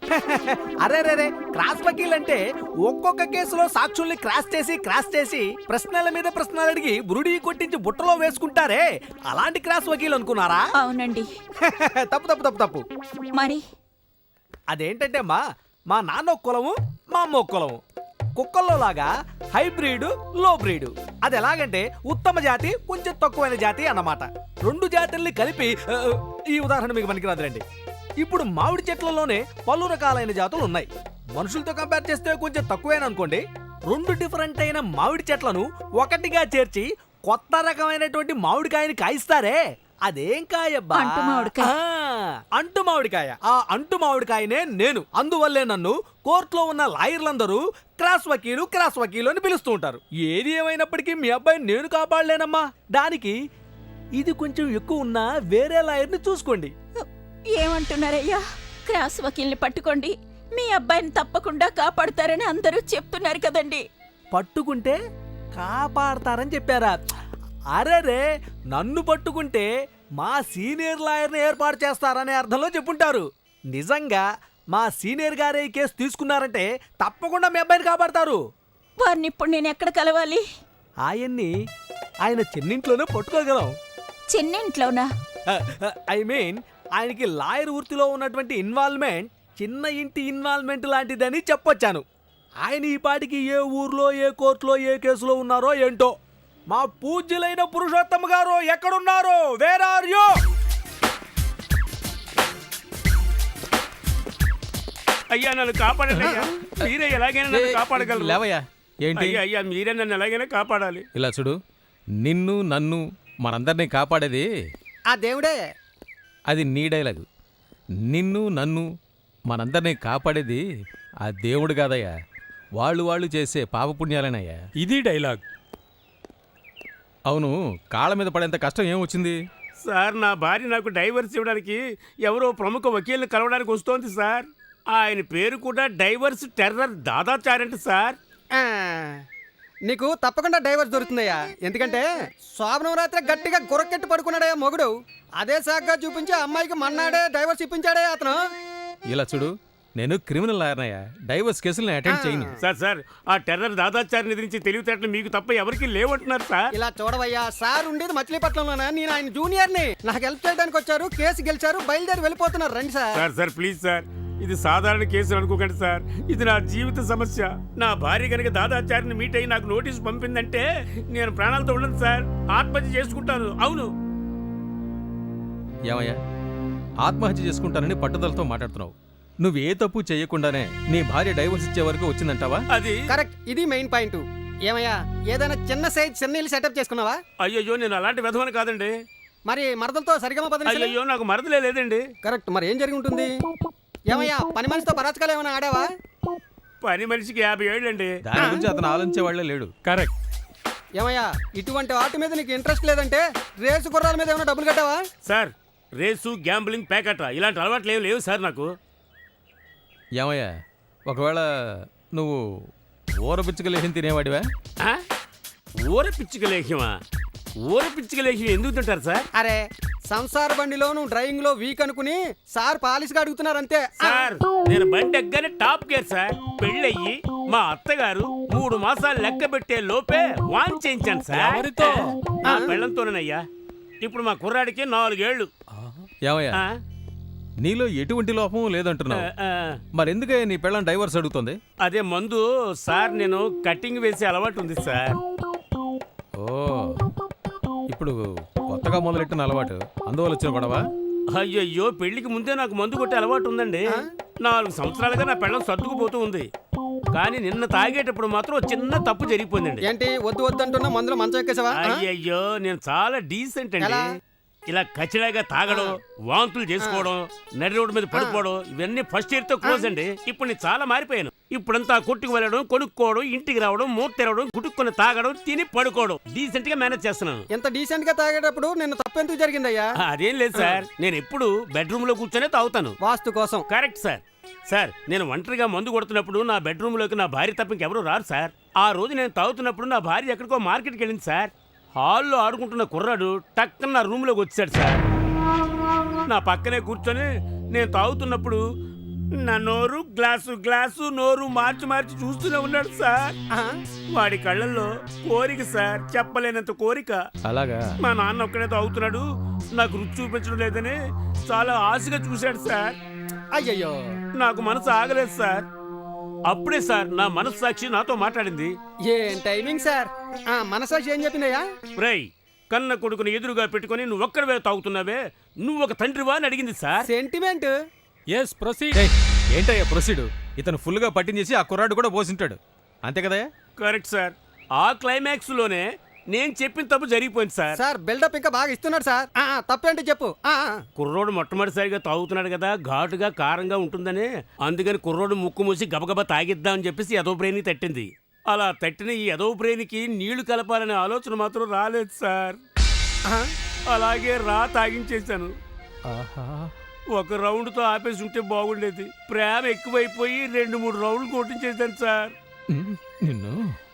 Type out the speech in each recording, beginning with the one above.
అరే రే క్రాస్ వకీల్ అంటే ఒక్కొక్క కేసులో సాక్షుల్ని క్రాస్ చేసి ప్రశ్నల మీద ప్రశ్నలు అడిగి బురుడి కొట్టించి బుట్టలో వేసుకుంటారే, అలాంటి క్రాస్ వకీల్ అనుకున్నారా? అవునండి. తప్పు తప్పు తప్పు తప్పు. మరి అదేంటంటే మా నాన్న ఒక కులము, మా అమ్మ ఒక కులము. కుక్కల్లో లాగా హైబ్రిడ్, లో బ్రీడ్. అది ఎలాగంటే ఉత్తమ జాతి, కొంచెం తక్కువైన జాతి అన్నమాట. రెండు జాతుల్ని కలిపి ఈ ఉదాహరణ మీకు పనికిరాదులేండి. ఇప్పుడు మామిడి చెట్లలోనే పలు రకాలైన జాతులు ఉన్నాయి. మనుషులతో కంపేర్ చేస్తే కొంచెం తక్కువేనా అనుకోండి. రెండు డిఫరెంట్ అయిన మామిడి చెట్లను ఒకటిగా చేర్చి కొత్త రకమైనటువంటి మామిడికాయని కాయిస్తారే, అదేం కాయబ్బా? అంటు మామిడికాయ. అంటు మామిడికాయ. ఆ అంటు మామిడికాయనే నేను. అందువల్లే నన్ను కోర్టులో ఉన్న లాయర్లందరూ క్రాస్ వకీలు అని పిలుస్తూ ఉంటారు. ఏది ఏమైనప్పటికీ మీ అబ్బాయిని నేను కాపాడలేనమ్మా. దానికి ఇది కొంచెం ఎక్కువ ఉన్నా వేరే లాయర్ని చూసుకోండి. ఏమంటున్నారయ్యా? క్రాస్ వకీల్ని పట్టుకోండి, మీ అబ్బాయిని తప్పకుండా కాపాడుతారని అందరూ చెప్తున్నారు కదండి. పట్టుకుంటే కాపాడతారని చెప్పారా? అరేరే, నన్ను పట్టుకుంటే మా సీనియర్ లాయర్ని ఏర్పాటు చేస్తారనే అర్థంలో చెప్పుంటారు. నిజంగా మా సీనియర్ గారే ఈ కేసు తీసుకున్నారంటే తప్పకుండా మీ అబ్బాయిని కాపాడతారు. వారిని ఇప్పుడు నేను ఎక్కడ కలవాలి? ఆయన్ని ఆయన చిన్నింట్లోనే పట్టుకోగలం. చిన్నింట్లోనా? ఐ మీన్ ఆయనకి లాయర్ వృత్తిలో ఉన్నటువంటి ఇన్వాల్వ్మెంట్ చిన్న ఇంటి ఇన్వాల్వ్మెంట్ లాంటిదని చెప్పొచ్చాను. ఆయన ఈ పాటికి ఏ ఊర్లో, ఏ కోర్టులో, ఏ కేసులో ఉన్నారో ఏంటో. మా పూజ్యులైన పురుషోత్తమ గారు ఎక్కడున్నారో? Where are you? అయ్యా నన్ను కాపాడండి. మీరే ఎలాగైనా నన్ను కాపాడగలరు. లేవయ్యా. ఏంటి? అయ్యా మీరే నన్ను ఎలాగైనా కాపాడాలి. ఇలా చూడు, నిన్ను నన్ను మనందరినీ కాపాడేది ఆ దేవుడే. అది నీ డైలాగు. నిన్ను నన్ను మనందరినీ కాపాడేది ఆ దేవుడు కాదయ్యా, వాళ్ళు చేసే పాపపుణ్యాలేనయ్యా. ఇది డైలాగ్. అవును, కాళ్ళ మీద పడేంత కష్టం ఏం వచ్చింది? సార్, నా భార్య నాకు డైవర్స్ ఇవ్వడానికి ఎవరో ప్రముఖ వకీల్ని కలవడానికి వస్తోంది సార్. ఆయన పేరు కూడా డైవర్స్ టెర్రర్ దాదాచారంట సార్. ఆ, నీకు తప్పకుండా డైవర్స్ దొరుకుతుందయ్యా. ఎందుకంటే శోభనం రాత్రి గట్టిగా గుర్రకెట్టి పడుకున్నాడయ్యా మొగుడు. అదే సాగ్గా చూపించి అమ్మాయికి మన్నాడే డైవర్స్ ఇప్పించాడే అతను. ఇలా చూడు, నేను క్రిమినల్ లాయర్నయ్యా, డైవర్స్ కేసులను అటెండ్ చేయను. సార్ ఆ టెర్రర్ దాదాచారిని ఎదిరించి తెలివితేటలు మీకు తప్ప ఎవరికి లేవంటున్నారు సార్. ఇలా చూడవయ్యా, సార్ ఉండేది మచిలీపట్నంలోనా, నేను ఆయన జూనియర్ని. నాకు హెల్ప్ చేయడానికి వచ్చారు, కేసు గెలిచారు, బయలుదేరి వెళ్ళిపోతున్నారు. రండి సార్. సార్ ప్లీజ్ సార్, ఇది సాధారణ కేసు అనుకోకండి సార్. ఇది నా జీవిత సమస్య. నా భార్య కనుక దాదాచారిని మీట్ అయ్యి నాకు నోటీసు పంపిందంటే నేను ప్రాణాలతో ఉండను సార్, ఆత్మహత్య చేసుకుంటాను. అవును. ఏమయ్యా, ఆత్మహత్య చేసుకుంటానని పట్టుదలతో మాట్లాడుతున్నావు. నువ్వు ఏ తప్పు చేయకుండానే నీ భార్య డైవర్స్ ఇచ్చే వరకు వచ్చిందంటావా? అది కరెక్ట్. ఇది మెయిన్ పాయింట్. ఏమయ్యా, ఏదైనా చిన్న సైజ్ చిన్న ఇల్లు సెటప్ చేసుకున్నావా? అయ్యో, నేను అలాంటి విధవని కాదండి. మరి మరదలతో సరిగమ పదని. అయ్యో, నాకు మరదలే లేదండి. కరెక్ట్. మరి ఏం జరిగి ఉంటుంది? ఏమయ్యా, పని మనిషితో పరాచకాలు ఏమైనా ఆడావా? పని మనిషికి 50 ఏళ్ళండి. దాని గురించి అతను ఆలోచించేవాళ్లే లేడు. కరెక్ట్. ఏమయ్యా, ఇటువంటి వాటి మీద నీకు ఇంట్రెస్ట్ లేదంటే రేసు గుర్రాల మీద ఏమైనా డబ్బులు కట్టావా? సార్, రేసు, గ్యాంబ్లింగ్, ప్యాకెట్ ఇలాంటి అలవాట్లు ఏమి లేవు సార్ నాకు. ఏమయ్యా, ఒకవేళ నువ్వు ఊర పిచ్చుకలేసిన తినేవాడివా? ఊర పిచ్చుకలేహ్యమా? ఊర పిచ్చుకలేహ్యం ఎందుకు తింటారు సార్? అరే, సంసార బండిలో నువ్వు డ్రైవింగ్ లో వీక్ అనుకుని సార్ పాలిష్గా అడుగుతున్నారంతే. సార్, నేను బండి ఎక్కగానే టాప్ గేర్ సార్. పెళ్ళయ్యి మా అత్తగారు 3 మాసాలు లెక్క పెట్టే లోపే వాన్ చేయించాను సార్. నా పెళ్ళంతోనేనయ్యా. ఇప్పుడు మా కుర్రాడికి 4 ఏళ్ళు. ఏమయ్యా, నీలో ఎటువంటి లోపం లేదంటున్నావు, మరెందుకే నీ పెళ్ళం డైవర్స్ అడుగుతుంది? అదే మందు సార్, నేను కటింగ్ వేసే అలవాటు ఉంది సార్. ఓ, ఇప్పుడు కొత్తగా మొదలెట్టిన అలవాటు, అందువల్ల వచ్చిన గొడవ? అయ్యయ్యో, పెళ్లికి ముందే నాకు మందు కొట్టే అలవాటు ఉందండి. 4 సంవత్సరాలుగా నా పెళ్ళం సర్దుకుపోతూ ఉంది. కానీ నిన్న తాగేటప్పుడు మాత్రం చిన్న తప్పు జరిగిపోయిందండి. ఏంటి వద్దు వద్దు అంటున్నా మందులో మంచం ఎక్కేసావా? అయ్యయ్యో, నేను చాలా డీసెంట్ అండి. ఇలా కచ్చిలాగా తాగడం, వాంతులు చేసుకోవడం, నడి రోడ్డు మీద పడిపోవడం, ఇవన్నీ ఫస్ట్ ఇయర్ తో క్లోజ్ అండి. ఇప్పుడు నేను చాలా మారిపోయాను. ఇప్పుడంతా కొట్టుకు వెళ్ళడం, కొనుక్కోవడం, ఇంటికి రావడం, మూత తెరవడం, గుట్టుకొని తాగడం, తిని పడుకోవడం, డీసెంట్ గా మేనేజ్ చేస్తున్నాను. ఎంత డీసెంట్ గా తాగేటప్పుడు నిన్న తప్పెందుకు జరిగిందయ్యా? అదేం లేదు సార్, నేను ఎప్పుడు బెడ్రూమ్ లో కూర్చొనే తాగుతాను, వాస్తు కోసం. Correct sir. సార్, నేను ఒంటరిగా మందు కొడుతున్నప్పుడు నా బెడ్రూమ్ లోకి నా భార్య తప్ప ఇంకెవరూ రారు సార్. ఆ రోజు నేను తాగుతున్నప్పుడు నా భార్య ఎక్కడికో మార్కెట్కి వెళ్ళింది సార్. హాల్లో ఆడుకుంటున్న కుర్రాడు టక్కన నా రూమ్లోకి వచ్చాడు సార్. నా పక్కనే కూర్చొని నేను తాగుతున్నప్పుడు నా నోరు గ్లాసు గ్లాసు నోరు మార్చి మార్చి చూస్తూనే ఉన్నాడు సార్. ఆ, వాడి కళ్ళల్లో కోరిక సార్, చెప్పలేనంత కోరిక. అలాగా మా నాన్న ఒక్కడే తాగుతున్నాడు, నాకు రుచి చూపించడం లేదని చాలా ఆశగా చూశాడు సార్. అయ్యయ్యో. నాకు మనసు ఆగలేదు సార్. అప్పుడే సార్ నా మనస్సాక్షి నాతో మాట్లాడింది. ఏం టైమింగ్ సార్. మనసాక్షి ఏం చెప్పిందయ్యా? రేయ్, కన్న కొడుకుని ఎదురుగా పెట్టుకొని నువ్వు ఒక్కడవే తాగుతున్నావే, నువ్వు ఒక తండ్రివా అని అడిగింది సార్. సెంటిమెంట్. Yes proceed. ఏంటయ్యా ప్రొసీడ్? ఇతను ఫుల్గా పట్టించేసి ఆ కుర్రాడు కూడా పోసింటాడు అంతే కదయ్యా? Correct sir. ఆ క్లైమాక్స్ లోనే నేను చెప్పిన తప్పు జరిగిపోయింది సార్. సార్ బిల్డప్ ఇంకా బాగా ఇస్తున్నాడు సార్. తప్పేంటి చెప్పు. కుర్రోడు మొట్టమొదటిసారిగా తాగుతున్నాడు కదా, ఘాటుగా కారంగా ఉంటుందని, అందుకని కుర్రోడు ముక్కు మూసి గబగబా తాగిద్దామని చెప్పేసి ఎదో బ్రెయిన్ తట్టింది. అలా తట్టిన ఈ ఎదో బ్రెయిన్కి నీళ్లు కలపాలనే ఆలోచన మాత్రం రాలేదు సార్. అలాగే తాగించేశాను. ఒక రౌండ్తో ఆపేసి ఉంటే బాగుండేది. ప్రేమ ఎక్కువైపోయి 2-3 రౌండ్లు కొట్టించేశాను సార్. నిన్ను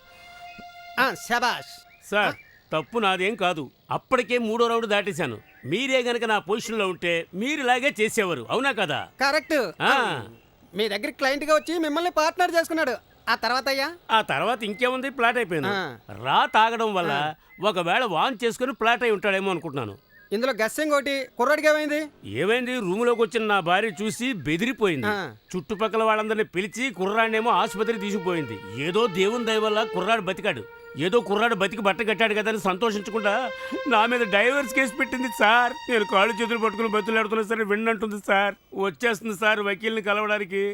శబాష్. సార్ తప్పు నాదేం కాదు. అప్పటికే 3వ రౌండ్ దాటేశాను. మీరే గనక నా పొజిషన్లో ఉంటే మీరు ఇలాగే చేసేవారు, అవునా కదా? కరెక్ట్. ఆ, మీ దగ్గర క్లయింట్ గా వచ్చి మిమ్మల్ని పార్ట్నర్ చేసుకున్నాడు. ఆ తర్వాత అయ్యా? ఆ తర్వాత ఇంకేముంది, ప్లాట్ అయిపోయింది. ఆ. తాగడం వల్ల ఒకవేళ వాన్ చేసుకుని ప్లాట్ అయి ఉంటాడేమో అనుకుంటున్నాను. ఇందులో గెస్సింగ్ ఒకటి. కుర్రాడికి ఏమైంది? ఏమైంది, రూములోకి వచ్చిన నా భార్య చూసి బెదిరిపోయింది. ఆ. చుట్టుపక్కల వాళ్ళందరినీ పిలిచి కుర్రాడినేమో ఆసుపత్రికి తీసుకుపోయింది. ఏదో దేవుని దయ వల్ల కుర్రాడు బతికాడు. ఏదో కుర్రాడు బతికి బట్ట కట్టాడు కదా అని సంతోషించకుండా నా మీద డైవర్స్ కేసు పెట్టింది సార్. నేను కాళ్ళు చేతులు పట్టుకుని బతులాడుతున్నా సరే విన్నంటుంది సార్. వచ్చేస్తుంది సార్ వకీల్ని కలవడానికి.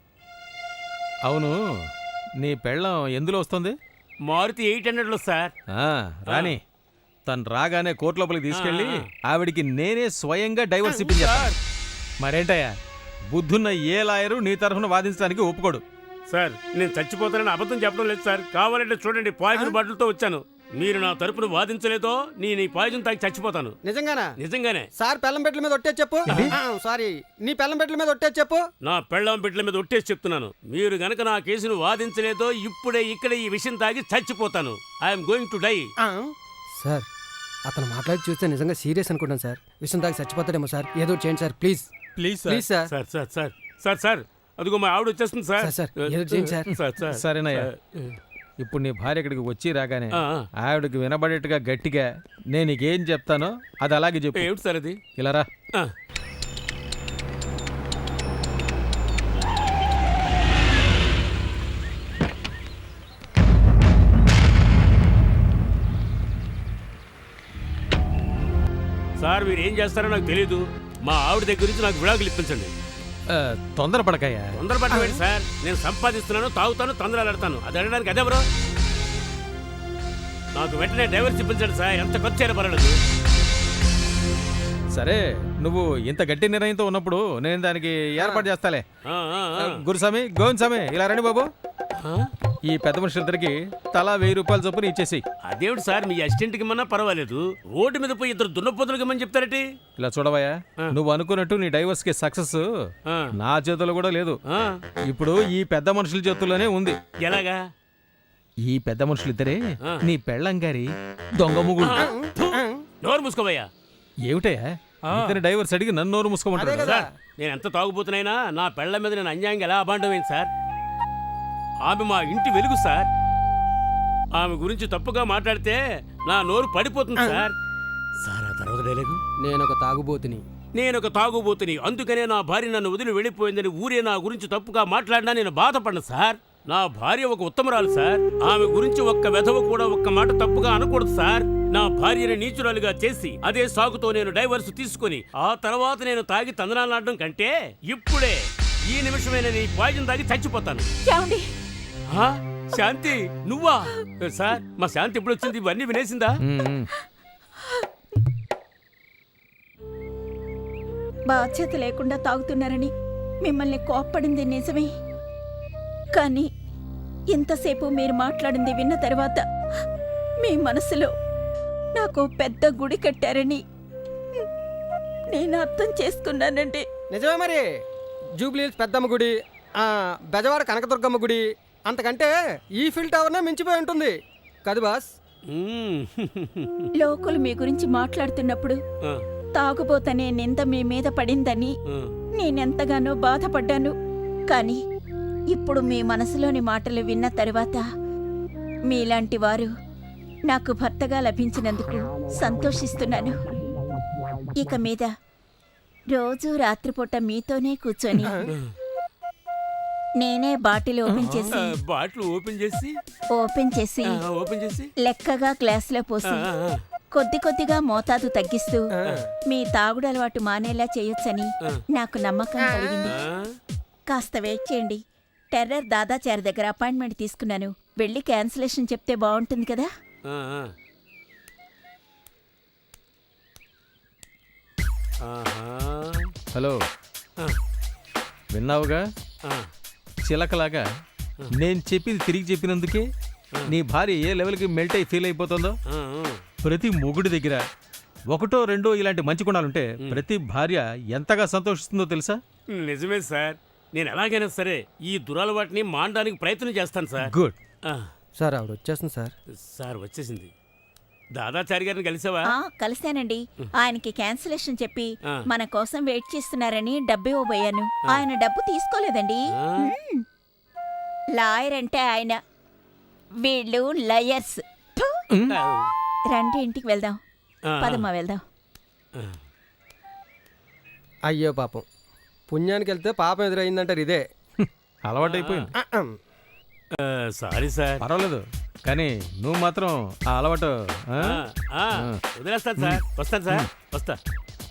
అవును, నీ పెళ్ళం ఎందులో వస్తుంది? మారుతి 800లో సార్. రాని తను రాగానే కోర్టు లోపలికి తీసుకెళ్ళి ఆవిడికి నేనే స్వయంగా డైవర్స్ ఇప్పించాను. మరేంటయ్యా, బుద్ధున్న ఏ లాయరు నీ తరఫున వాదించడానికి ఒప్పుకోడు. సార్ నేను చచ్చిపోతానని అబద్ధం చెప్పడం లేదు సార్. కావాలంటే చూడండి, పాయిజన్ బాటిల్తో వచ్చాను. మీరు నా తరపున వాదించలేదో నేను ఈ పాయిజన్ తాగి చచ్చిపోతాను. నిజంగానా? నిజంగానే సార్ పెళ్ళం పెట్టల మీద ఒట్టే చెప్పు. సారీ, నీ పెళ్ళం పెట్టల మీద ఒట్టే చెప్పు. నా పెళ్ళాం బిడ్డల మీద ఒట్టేసి చెప్తున్నాను. మీరు గనక నా కేసును వాదించలేదో ఇప్పుడే ఇక్కడ ఈ విషయం తాగి చచ్చిపోతాను. I'm going to die. Sir అతను మాట్లాడి చూస్తే నిజంగా సీరియస్ అనుకుంటాను సార్. విషయం దాకా చచ్చిపోతాడేమో సార్. ఏదో చేయండి sir please. Please please sir. Sir sir sir sir sir అదిగో మా ఆవిడ వచ్చేస్తుంది సార్. సార్, ఏదో చేయండి సార్. సార్ సార్ సరేనయ్యా. ఇప్పుడు నీ భార్య ఇక్కడికి వచ్చి రాగానే ఆ, ఆవిడకి వినబడేట్టుగా గట్టిగా నేను నీకేం చెప్తానో అది అలాగే చెప్పు. ఏమిటి సార్ అది? ఇలా రా. ఆ. సార్ మీరు ఏం చేస్తారో నాకు తెలీదు. మా ఆవిడ దగ్గర నుంచి నాకు విడాకులు ఇప్పించండి. తొందరపడకయ్యా. తొందరపడవేంటి సార్? నేను సంపాదిస్తున్నాను, తాగుతాను, తొందరలాడతాను. అది అడగడానికి అదే బ్రో. నాకు వెంటనే డైవర్స్ ఇప్పించండి సార్. ఎంత ఖర్చు అయినా పర్వాలేదు. సరే, నువ్వు ఇంత గట్టి నిర్ణయంతో ఉన్నప్పుడు నేను దానికి ఏర్పాటు చేస్తాలే. ఆ, ఆ, ఆ. గురుస్వామి, గోవిందస్వామి, ఇలా రండి బాబు. ఆ? ఈ పెద్ద మనుషులిద్దరికి తలా 1000 రూపాయలు చొప్పున ఇచ్చేసి. అదేమిటి సార్, మీ అసిస్టెంట్కి మన్నా పర్వాలేదు, రోడ్డు మీద పోయి ఇద్దరు దున్నపోతులకి మని చెప్తారటి? ఇలా చూడవయ్యా, నువ్వు అనుకున్నట్టు నీ డైవర్స్ కి సక్సెస్ ఆ. నా చేతుల్లో కూడా లేదు. ఆ. ఇప్పుడు ఈ పెద్ద మనుషుల చేతుల్లోనే ఉంది. ఎలాగా? ఈ పెద్ద మనుషులిద్దరే ఆ. నీ పెళ్ళం గారి దొంగ ముగుడు. నోరు మూసుకోవయ్యా. ఏమిటయ్యా, ఇతని డైవర్స్ అడిగి నన్ను నోరు మూసుకోమంటాడు. అదే కదా. సార్ నేను ఎంత తాగుబోతున్నైనా నా పెళ్ళ మీద నేను అన్యాయంగా ఎలా అబాండమైంది సార్? ఆమె మా ఇంటి వెలుగు సార్. ఆమె గురించి తప్పుగా మాట్లాడితే నా నోరు పడిపోతుంది సార్. సార్ ఆ తర్వాత డైలాగు, నేను ఒక తాగుబోతుని. నేను ఒక తాగుబోతుని, అందుకనే నా భార్య నన్ను వదిలి వెళ్ళిపోయిందని ఊరే నా గురించి తప్పుగా మాట్లాడినా నేను బాధపడను సార్. నా భార్య ఒక ఉత్తమరాలు సార్. ఆమె గురించి ఒక్క వెధవ కూడా ఒక్క మాట తప్పుగా అనకూడదు సార్. నా భార్యని నీచురాలుగా చేసి అదే సాగుతో నేను డైవర్స్ తీసుకుని ఆ తర్వాత నేను తాగి తందనాలాడడం కంటే ఇప్పుడే ఈ నిమిషమైన నీ పాయిజన్ తాగి చచ్చిపోతాను. ఏమండి? ఆ? శాంతి నువ్వా? సార్ మా శాంతి ఎప్పుడు వచ్చింది? ఇవన్నీ వినేసిందా? బాధ్యత లేకుండా తాగుతున్నారని మిమ్మల్ని కోప్పడింది నిజమే, కానీ ఇంతసేపు మీరు మాట్లాడింది విన్న తర్వాత మీ మనసులో నాకు పెద్ద గుడి కట్టారని నేను అర్థం చేసుకున్నానండి. నిజమే మరి. జూబ్లీహిల్స్ పెద్దమ్మ గుడి, బెజవాడ కనకదుర్గమ్మ గుడి, అంతకంటే ఈఫిల్ టవర్నే మించిపోయి ఉంటుంది కదా బాస్? మ్మ్. లోకులు మీ గురించి మాట్లాడుతున్నప్పుడు ఆ, తాగుబోతనే నింద మీ మీద పడిందని ఆ. నేనెంతగానో బాధపడ్డాను. కానీ ఇప్పుడు మీ మనసులోని మాటలు విన్న తరువాత మీలాంటి వారు నాకు భర్తగా లభించినందుకు సంతోషిస్తున్నాను. ఇక మీద రోజు రాత్రిపూట మీతోనే కూర్చొని నేనే బాటిల్ ఓపెన్ చేసి బాటిల్ ఓపెన్ చేసి ఓపెన్ చేసి లెక్కగా గ్లాసులో పోసి కొద్ది కొద్దిగా మోతాదు తగ్గిస్తూ మీ తాగుడు అలవాటు మానేలా చేయొచ్చని నాకు నమ్మకం కలిగింది. కాస్త వెయిట్ చేయండి. టెర్రర్ దాదాచారి దగ్గర అపాయింట్మెంట్ తీసుకున్నాను. వెళ్ళి క్యాన్సిలేషన్ చెప్తే బాగుంటుంది కదా. హలో, విన్నావుగా? చిలకలాగా నేను చెప్పింది తిరిగి చెప్పినందుకే నీ భార్య ఏ లెవెల్కి మెల్ట్ అయి ఫీల్ అయిపోతుందో. ప్రతి మొగుడి దగ్గర ఒకటో రెండో ఇలాంటి మంచి గుణాలుంటే ప్రతి భార్య ఎంతగా సంతోషిస్తుందో తెలుసా? నిజమే సార్. నేను ఎలాగైనా సరే ఈ దురలవాటిని మానడానికి ప్రయత్నం చేస్తాను సార్. గుడ్. సార్ ఆవిడ వచ్చేస్తుంది సార్. సార్ వచ్చేసింది. దాదాచారి గారిని కలిసావా? కలిశానండి. ఆయనకి క్యాన్సిలేషన్ చెప్పి మన కోసం వెయిట్ చేస్తున్నారని డబ్బు ఇవ్వబోయాను. ఆయన డబ్బు తీసుకోలేదండి. లాయర్ అంటే ఆయన, వీళ్ళు లయర్స్. రండి ఇంటికి వెళ్దాం. పదమ్మా వెళ్దాం. అయ్యో పాపం, పుణ్యానికి వెళ్తే పాపం ఎదురైందంటారు. ఇదే అలవాటైపోయింది. Sorry sir. పర్వాలేదు, కానీ నువ్వు మాత్రం ఆ అలవాటు వదిలేస్తాను సార్. వస్తాను సార్. వస్తా.